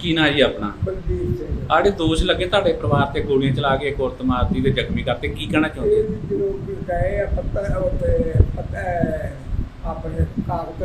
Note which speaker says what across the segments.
Speaker 1: ਕੀ ਨਾਂ ਜੀ ਆਪਣਾ?
Speaker 2: ਬਲਬੀਰ ਸਿੰਘ।
Speaker 1: ਆੜੇ ਦੋਸ਼ ਲੱਗੇ ਤੁਹਾਡੇ ਪਰਿਵਾਰ ਤੇ ਗੋਲੀਆਂ ਚਲਾ ਕੇ ਇੱਕ ਔਰਤ ਮਾਰਤੀ ਤੇ ਜ਼ਖਮੀ ਕਰਤੇ, ਕੀ ਕਹਿਣਾ ਚਾਹੁੰਦੇ ਹੋ?
Speaker 2: ਜਦੋਂ ਗਏ ਆ ਪੱਤਰ ਉੱਤੇ ਆਪਣੇ ਕਾਗਜ਼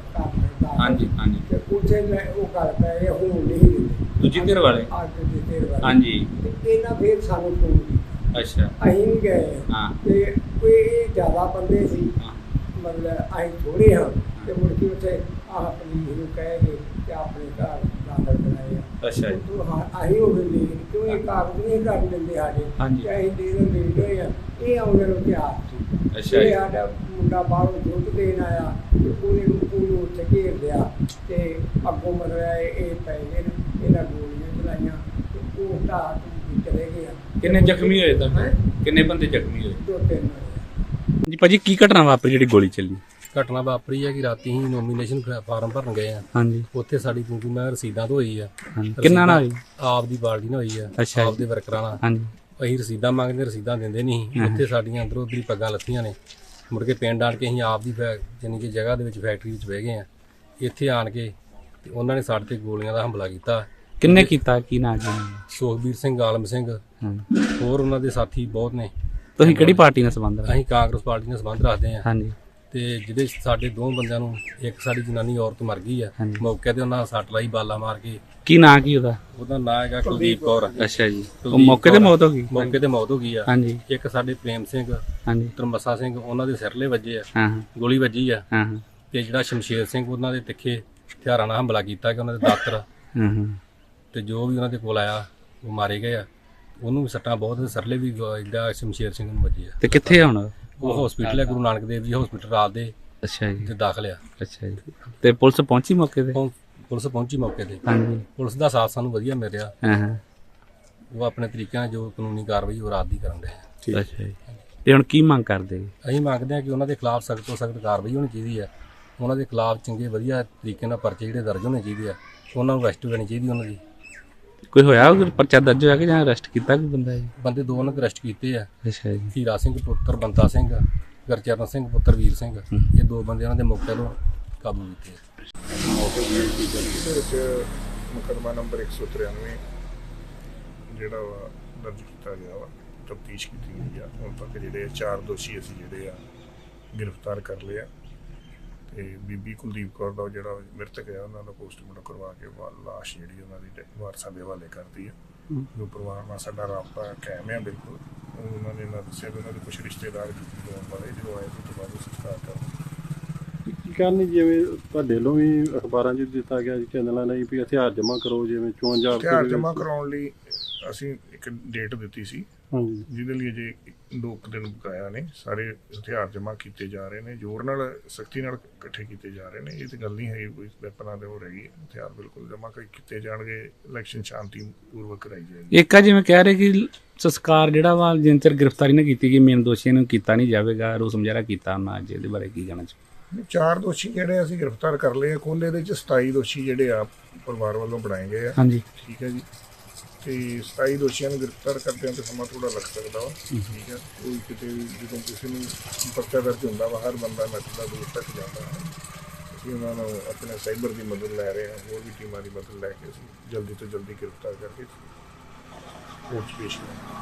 Speaker 1: ਹਾਂਜੀ ਹਾਂਜੀ।
Speaker 2: ਤੇ ਉੱਥੇ ਮੈਂ ਉਹ ਗੱਲ ਪਏ ਹੁਣ ਨਹੀਂ ਦਿੰਦੇ
Speaker 1: ਦੂਜੀ ਧਿਰ ਵਾਲੇ?
Speaker 2: ਅੱਜ ਦੀ ਧਿਰ ਵਾਲੇ।
Speaker 1: ਹਾਂਜੀ।
Speaker 2: ਤੇ ਇਹਨਾਂ ਫਿਰ ਸਾਨੂੰ ਫੋਨ ਕੀਤਾ।
Speaker 1: ਅੱਛਾ।
Speaker 2: ਅਸੀਂ ਵੀ ਗਏ
Speaker 1: ਹਾਂ।
Speaker 2: ਤੇ ਕੋਈ ਜ਼ਿਆਦਾ ਬੰਦੇ ਸੀ,
Speaker 1: ਹਾਂ।
Speaker 2: ਮਤਲਬ ਅਸੀਂ ਥੋੜ੍ਹੇ ਹਾਂ ਤੇ ਮੁੜ ਕੇ ਉੱਥੇ ਆਹ ਪੁਲਿਸ ਨੂੰ ਕਹਿ ਕੇ ਤੇ ਆਪਣੇ ਘਰ ਦਾਖਲ ਕਰਾਏ ਆ।
Speaker 1: ਅੱਛਾ ਜੀ।
Speaker 2: ਅਸੀਂ ਉਹ ਵੀ ਕਿਉਂ ਇਹ ਕਾਗਜ਼ ਨਹੀਂ ਕਰ ਲੈਂਦੇ ਸਾਡੇ।
Speaker 1: ਹਾਂਜੀ।
Speaker 2: ਤੇ ਅਸੀਂ ਦੇ ਹੋਏ ਆ ਇਹ ਆਉਂਦੇ ਨੂੰ ਤਿਆਰ ਸੀ।
Speaker 1: ਅੱਛਾ
Speaker 2: ਇਹ
Speaker 1: ਜੀ।
Speaker 2: ਸਾਡਾ ਮੁੰਡਾ ਬਾਹਰੋਂ ਦੁੱਧ ਦੇਣ ਆਇਆ ਤੇ ਉਹਨੂੰ ਉੱਥੇ ਘੇਰ ਲਿਆ ਤੇ ਅੱਗੋਂ ਮਤਲਬ ਇਹ ਪੈ ਗਏ ਨੇ, ਇਹਨਾਂ ਗੋਲੀਆਂ ਚਲਾਈਆਂ ਤੇ ਉਹ ਢਾਹ ਚਲੇ ਗਏ ਆ।
Speaker 1: ਕਿੰਨੇ ਜ਼ਖਮੀ ਹੋਏ ਤਾਂ? ਕਿੰਨੇ ਬੰਦੇ ਜ਼ਖਮੀ ਹੋਏ?
Speaker 2: 2-3 ਹੋਏ।
Speaker 1: ਜੀ ਭਾਜੀ, ਕੀ ਘਟਨਾ ਵਾਪਰੀ ਜਿਹੜੀ ਗੋਲੀ ਚੱਲੀ?
Speaker 3: ਘਟਨਾ ਵਾਪਰੀ ਹੈ ਕਿ ਰਾਤੀ ਹੀ ਨੋਮੀਨੇਸ਼ਨ ਫਾਰਮ ਭਰਨ ਗਏ ਆ।
Speaker 1: ਹਾਂਜੀ।
Speaker 3: ਉੱਥੇ ਸਾਡੀ ਕਿਉਂਕਿ ਮੈਂ ਰਸੀਦਾਂ ਤੋਂ ਹੋਈ ਆ।
Speaker 1: ਕਿੰਨਾ ਨਾਲ ਹੋਈ?
Speaker 3: ਆਪ ਦੀ ਬਾਲਦੀ ਨਾਲ ਹੋਈ ਆ।
Speaker 1: ਅੱਛਾ
Speaker 3: ਆਪ ਦੇ ਵਰਕਰਾਂ ਨਾਲ।
Speaker 1: ਹਾਂਜੀ।
Speaker 3: ਅਸੀਂ ਰਸੀਦਾਂ ਮੰਗਦੇ, ਰਸੀਦਾਂ ਦਿੰਦੇ ਨਹੀਂ। ਉੱਥੇ ਸਾਡੀਆਂ ਅੰਦਰੋਂ ਉੱਧਰੀ ਪੱਗਾਂ ਲੱਥੀਆਂ ਨੇ। ਮੁੜ ਕੇ ਪਿੰਡ ਆਣ ਕੇ ਅਸੀਂ ਆਪ ਦੀ ਜਾਣੀ ਕਿ ਜਗ੍ਹਾ ਦੇ ਵਿੱਚ ਫੈਕਟਰੀ ਵਿੱਚ ਬਹਿ ਗਏ ਆ। ਇੱਥੇ ਆਣ ਕੇ ਤੇ ਉਹਨਾਂ ਨੇ ਸਾਡੇ ਤੇ ਗੋਲੀਆਂ ਦਾ ਹਮਲਾ ਕੀਤਾ।
Speaker 1: ਕਿੰਨੇ ਕੀਤਾ? ਕੀ ਨਾਂ ਜੀ?
Speaker 3: ਸੁਖਬੀਰ ਸਿੰਘ, ਆਲਮ ਸਿੰਘ, ਹੋਰ ਉਹਨਾਂ ਦੇ ਸਾਥੀ ਬਹੁਤ ਨੇ।
Speaker 1: ਤੁਸੀਂ ਕਿਹੜੀ ਪਾਰਟੀ ਨਾਲ ਸੰਬੰਧ ਰੱਖਦੇ?
Speaker 3: ਅਸੀਂ ਕਾਂਗਰਸ ਪਾਰਟੀ ਨਾਲ ਸੰਬੰਧ ਰੱਖਦੇ ਆ।
Speaker 1: ਹਾਂਜੀ।
Speaker 3: ਤੇ ਜਿਹਦੇ ਸਾਡੇ 2 ਬੰਦਿਆਂ ਨੂੰ, ਇੱਕ ਸਾਡੀ ਜਨਾਨੀ ਔਰਤ ਮਰ ਗਈ ਆ ਮੌਕੇ ਤੇ, ਉਹਨਾਂ ਸੱਟ ਲਾਈ ਬਾਲਾ ਮਾਰ ਕੇ।
Speaker 1: ਕੀ ਨਾਂ ਕੀ ਉਹਦਾ?
Speaker 3: ਉਹਦਾ ਨਾਂ ਹੈਗਾ ਕੁਲਦੀਪ ਕੌਰ।
Speaker 1: ਅੱਛਾ ਜੀ। ਉਹ ਮੌਕੇ ਤੇ ਮੌਤ ਹੋ ਗਈ?
Speaker 3: ਮੌਕੇ ਤੇ ਮੌਤ ਹੋ ਗਈ ਆ।
Speaker 1: ਹਾਂਜੀ।
Speaker 3: ਇੱਕ ਸਾਡੇ ਪ੍ਰੇਮ ਸਿੰਘ,
Speaker 1: ਹਾਂਜੀ,
Speaker 3: ਤਰਮਸਾ ਸਿੰਘ, ਉਹਨਾਂ ਦੇ ਸਿਰਲੇ ਵੱਜੇ ਆ।
Speaker 1: ਹਾਂ
Speaker 3: ਗੋਲੀ ਵੱਜੀ ਆ।
Speaker 1: ਹਾਂ।
Speaker 3: ਤੇ ਜਿਹੜਾ ਸ਼ਮਸ਼ੇਰ ਸਿੰਘ, ਉਹਨਾਂ ਦੇ ਤਿੱਖੇ ਹਥਿਆਰਾਂ ਨਾਲ ਹਮਲਾ ਕੀਤਾ ਕਿ ਉਹਨਾਂ ਦੇ ਦਾਤਰ ਤੇ ਜੋ ਵੀ ਉਹਨਾਂ ਦੇ ਕੋਲ ਆਇਆ ਉਹ ਮਾਰੇ ਗਏ ਆ। ਉਹਨੂੰ ਵੀ ਸੱਟਾਂ ਬਹੁਤ, ਸਿਰਲੇ ਵੀ ਜਿਹੜਾ ਸ਼ਮਸ਼ੇਰ ਸਿੰਘ ਨੂੰ ਵੱਜੇ ਆ।
Speaker 1: ਤੇ ਕਿੱਥੇ ਆ ਹੁਣ?
Speaker 3: ਉਹ ਹਸਪੀਟਲ ਹੈ, ਗੁਰੂ ਨਾਨਕ ਦੇਵ ਜੀ ਹਸਪੀਟਲ ਰਾਤ ਦੇ।
Speaker 1: ਅੱਛਾ ਜੀ।
Speaker 3: ਤੇ ਦਾਖਲ ਆ।
Speaker 1: ਅੱਛਾ ਜੀ। ਤੇ ਪੁਲਿਸ ਪਹੁੰਚੀ ਮੌਕੇ ਤੇ?
Speaker 3: ਪੁਲਿਸ ਪਹੁੰਚੀ ਮੌਕੇ ਤੇ।
Speaker 1: ਹਾਂਜੀ।
Speaker 3: ਪੁਲਿਸ ਦਾ ਸਾਥ ਸਾਨੂੰ ਵਧੀਆ ਮਿਲ ਰਿਹਾ।
Speaker 1: ਹਾਂ।
Speaker 3: ਉਹ ਆਪਣੇ ਤਰੀਕੇ ਨਾਲ ਜੋ ਕਾਨੂੰਨੀ ਕਾਰਵਾਈ ਉਹ ਰਾਤ ਦੀ ਕਰਨ ਰਹੇ ਆ।
Speaker 1: ਅੱਛਾ ਜੀ। ਤੇ ਹੁਣ ਕੀ ਮੰਗ ਕਰਦੇ?
Speaker 3: ਅਸੀਂ ਮੰਗਦੇ ਹਾਂ ਕਿ ਉਹਨਾਂ ਦੇ ਖਿਲਾਫ ਸਖਤ ਤੋਂ ਸਖਤ ਕਾਰਵਾਈ ਹੋਣੀ ਚਾਹੀਦੀ ਹੈ। ਉਹਨਾਂ ਦੇ ਖਿਲਾਫ ਚੰਗੇ ਵਧੀਆ ਤਰੀਕੇ ਨਾਲ ਪਰਚੇ ਜਿਹੜੇ ਦਰਜ ਹੋਣੇ ਚਾਹੀਦੇ ਆ। ਉਹਨਾਂ ਨੂੰ ਅਰੈਸਟ ਕਰਨੀ ਚਾਹੀਦੀ ਉਹਨਾਂ ਦੀ।
Speaker 1: ਕੋਈ ਹੋਇਆ ਪਰਚਾ ਦਰਜ ਹੋਇਆ ਕਿ ਜਾਂ ਅਰੈਸਟ ਕੀਤਾ ਕੋਈ ਬੰਦਾ ਜੀ?
Speaker 3: ਬੰਦੇ 2 ਉਹਨਾਂ ਦੇ ਅਰੈਸਟ ਕੀਤੇ ਆ।
Speaker 1: ਅੱਛਾ ਜੀ।
Speaker 3: ਹੀਰਾ ਸਿੰਘ ਪੁੱਤਰ ਬੰਤਾ ਸਿੰਘ, ਗੁਰਚਰਨ ਸਿੰਘ ਪੁੱਤਰ ਵੀਰ ਸਿੰਘ, ਇਹ 2 ਬੰਦੇ ਉਹਨਾਂ ਦੇ ਮੌਕੇ ਤੋਂ ਕਾਬੂ ਕੀਤੇ ਆ।
Speaker 4: ਮੁਕੱਦਮਾ ਨੰਬਰ 193 ਜਿਹੜਾ ਵਾ ਦਰਜ ਕੀਤਾ ਗਿਆ ਵਾ, ਤਫਤੀਸ਼ ਕੀਤੀ ਗਈ ਆ। ਹੁਣ ਤੱਕ ਜਿਹੜੇ 4 ਦੋਸ਼ੀ ਅਸੀਂ ਜਿਹੜੇ ਆ ਗ੍ਰਿਫਤਾਰ ਕਰ ਲਏ ਆ। ਤੇ ਬੀਬੀ ਕੁਲਦੀਪ ਕੌਰ ਦਾ ਜਿਹੜਾ ਮ੍ਰਿਤਕ ਆ, ਉਹਨਾਂ ਦਾ ਪੋਸਟਮਾਰਟਮ ਕਰਵਾ ਕੇ ਲਾਸ਼ ਜਿਹੜੀ ਉਹਨਾਂ ਦੀ ਵਾਰਸਾਂ ਦੇ ਹਵਾਲੇ ਕਰਤੀ ਆ। ਜੋ ਪਰਿਵਾਰ ਨਾਲ ਸਾਡਾ ਰਾਬਤਾ ਕਾਇਮ ਆ ਬਿਲਕੁਲ। ਉਹਨਾਂ ਨੇ ਦੱਸਿਆ ਵੀ ਉਹਨਾਂ ਦੇ ਕੁਛ ਰਿਸ਼ਤੇਦਾਰ ਆਉਣ ਵਾਲੇ, ਜਦੋਂ ਆਏ ਉਸ ਤੋਂ ਬਾਅਦ ਉਹ ਸੰਸਕਾਰ ਕਰ
Speaker 5: ਕੀ ਕਰਨੀ, ਜਿਵੇਂ ਤੁਹਾਡੇ ਵੱਲੋਂ ਵੀ ਅਖਬਾਰਾਂ 'ਚ ਦਿੱਤਾ ਗਿਆ ਚੈਨਲਾਂ ਲਈ ਵੀ ਹਥਿਆਰ ਜਮ੍ਹਾਂ ਕਰੋ, ਜਿਵੇਂ 54
Speaker 4: ਹਥਿਆਰ ਜਮ੍ਹਾਂ ਕਰਾਉਣ ਲਈ ਅਸੀਂ ਇੱਕ ਡੇਟ ਦਿੱਤੀ ਸੀ।
Speaker 5: ਹਾਂਜੀ।
Speaker 4: ਜਿਹਦੇ ਲਈ ਅਜੇ 2 ਦਿਨ ਬਕਾਇਆ ਨੇ। ਸਾਰੇ ਹਥਿਆਰ ਜਮ੍ਹਾਂ ਕੀਤੇ ਜਾ ਰਹੇ ਨੇ, ਜ਼ੋਰ ਨਾਲ, ਸਖਤੀ ਨਾਲ ਇਕੱਠੇ ਕੀਤੇ ਜਾ ਰਹੇ ਨੇ। ਇਹ ਤਾਂ ਗੱਲ ਨਹੀਂ ਹੈ ਕੋਈ ਵੈਪਨਾਂ ਦੇ ਹੋ ਰਹੀ ਹੈ। ਹਥਿਆਰ ਬਿਲਕੁਲ ਜਮ੍ਹਾਂ ਕੀਤੇ ਜਾਣਗੇ। ਇਲੈਕਸ਼ਨ ਸ਼ਾਂਤੀ ਪੂਰਵਕ ਕਰਾਈ ਜਾਏਗੀ।
Speaker 1: ਇੱਕ ਆ ਜਿਵੇਂ ਕਹਿ ਰਹੇ ਕਿ ਸੰਸਕਾਰ ਜਿਹੜਾ ਵਾ ਜਿੰਨ ਚਿਰ ਗ੍ਰਿਫਤਾਰੀ ਨਾ ਕੀਤੀ ਗਈ, ਮੇਨ ਦੋਸ਼ੀਆਂ ਨੂੰ ਕੀਤਾ ਨਹੀਂ ਜਾਵੇਗਾ। ਰੋਸ ਮੁਜ਼ਾਹਰਾ ਕੀਤਾ ਉਹਨਾਂ ਅੱਜ, ਇਹਦੇ ਬਾਰੇ ਕੀ ਕਹਿਣਾ ਚਾਹੁੰਦੇ?
Speaker 4: 4 ਦੋਸ਼ੀ ਜਿਹੜੇ ਅਸੀਂ ਗ੍ਰਿਫਤਾਰ ਕਰ ਲਏ ਆ। ਕੁੱਲ ਇਹਦੇ 'ਚ 27 ਦੋਸ਼ੀ ਜਿਹੜੇ ਆ ਪਰਿਵਾਰ ਵੱਲੋਂ ਬਣਾਏ ਗਏ ਆ।
Speaker 1: ਹਾਂਜੀ।
Speaker 4: ਠੀਕ ਹੈ ਜੀ। ਤੇ 27 ਦੋਸ਼ੀਆਂ ਨੂੰ ਗ੍ਰਿਫਤਾਰ ਕਰਦਿਆਂ ਤੇ ਸਮਾਂ ਥੋੜਾ ਲੱਗ ਸਕਦਾ ਵਾ। ਠੀਕ ਹੈ। ਕੋਈ ਕਿਤੇ ਜਦੋਂ ਕਿਸੇ ਨੂੰ ਪਰਚਾ ਦਰਜ ਹੁੰਦਾ ਵਾ, ਹਰ ਬੰਦਾ ਨੱਠਦਾ ਦੂਰ ਤੱਕ ਜਾਂਦਾ ਹੈ। ਅਸੀਂ ਉਹਨਾਂ ਨੂੰ ਆਪਣੇ ਸਾਈਬਰ ਦੀ ਮਦਦ ਲੈ ਰਹੇ ਹਾਂ, ਹੋਰ ਵੀ ਟੀਮਾਂ ਦੀ ਮਦਦ ਲੈ ਕੇ ਅਸੀਂ ਜਲਦੀ ਤੋਂ ਜਲਦੀ ਗ੍ਰਿਫਤਾਰ ਕਰਕੇ ਕੋਰਟ 'ਚ ਪੇਸ਼ ਕਰਾਂਗੇ।